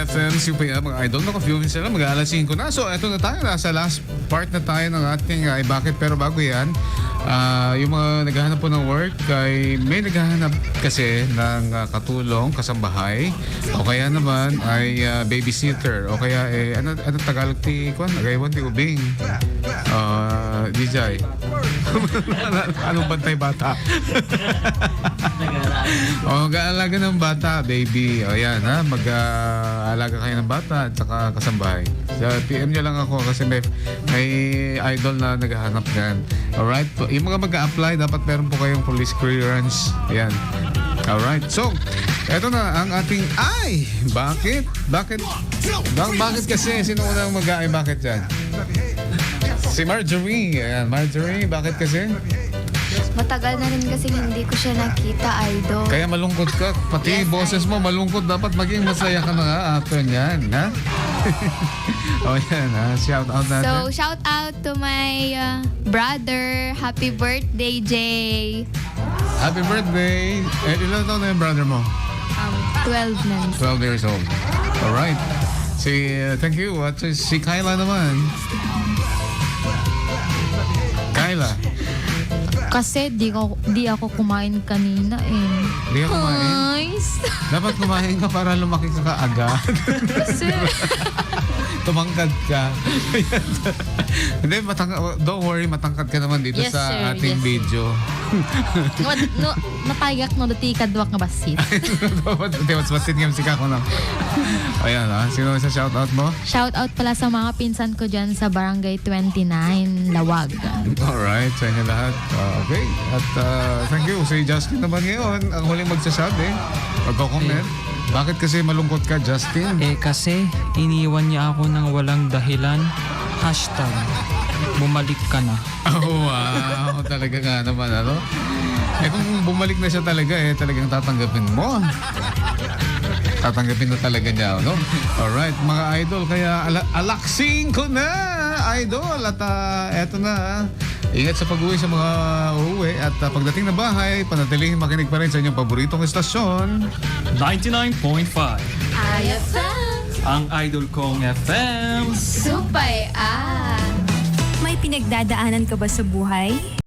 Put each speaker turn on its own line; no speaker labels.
FM, CPM, mga idol. Naka-few minutes na lang, mag-aalas 5 na. So, eto na tayo. Nasa last part na tayo ng ating ay bakit. Pero bago yan, yung mga naghahanap po ng work, ay may naghahanap kasi ng katulong, kasambahay. O kaya naman ay babysitter. O kaya, ano Tagalog ti, Agaywan ti Ubing. DJ. Anong bantay bata? Mag-aalaga ng bata, baby. O yan, ha? Mag-aalaga kayo ng bata at saka kasambahay. So, PM nyo lang ako kasi may idol na naghahanap yan. Alright? Yung mga mag-a-apply, dapat meron po kayong police clearance. Ayan. Alright. So, eto na ang ating bakit? Bakit kasi? Sino unang bakit dyan? Si Marjorie. Ayan, Marjorie, bakit kasi?
Matagal na rin kasi hindi ko siya nakita, idol.
Kaya malungkot ka. Pati
Yes,
boses mo malungkot. Dapat maging masaya ka na nga after niyan, ha? O yan, ha? Shout out natin.
So, shout out to my brother. Happy birthday, Jay.
Happy birthday. Ilan taon na yung brother mo?
12 months.
12 years old. Alright. Thank you. At si Kyla naman. Kyla.
Kasi di ako kumain kanina eh.
Di ka kumain?
Nice.
Dapat kumain ka para lumaki ka kaagad.
Kasi
Tumangkad ka. Hindi, don't worry, matangkad ka naman dito
Yes,
sa
sir.
ating
Yes.
video.
napayag no dati kadwak nga basit.
Hindi, mas basit nga si Kako na. Ayan, ha? Sino sa shoutout mo?
Shout out pala sa mga pinsan ko dyan sa Barangay 29, Lawag.
Alright, sa inyo lahat. Okay. At thank you. Si Justin naman ngayon, ang huling magsasabi. Magko-comment. Bakit kasi malungkot ka, Justin?
Kasi iniwan niya ako ng walang dahilan. Hashtag, bumalik ka na.
Oh, wow. Talaga nga naman, ano? Kung bumalik na siya talaga, talagang tatanggapin mo. Tatanggapin na talaga niya, no? Alright, mga idol, kaya alaksing ko na, idol. At eto na, ingat sa pag-uwi sa mga uuwi. At pagdating na bahay, panatiling makinig pa rin sa inyong paboritong estasyon.
99.5
IFM.
ang idol kong FM.
Supay
May pinagdadaanan ka ba sa buhay?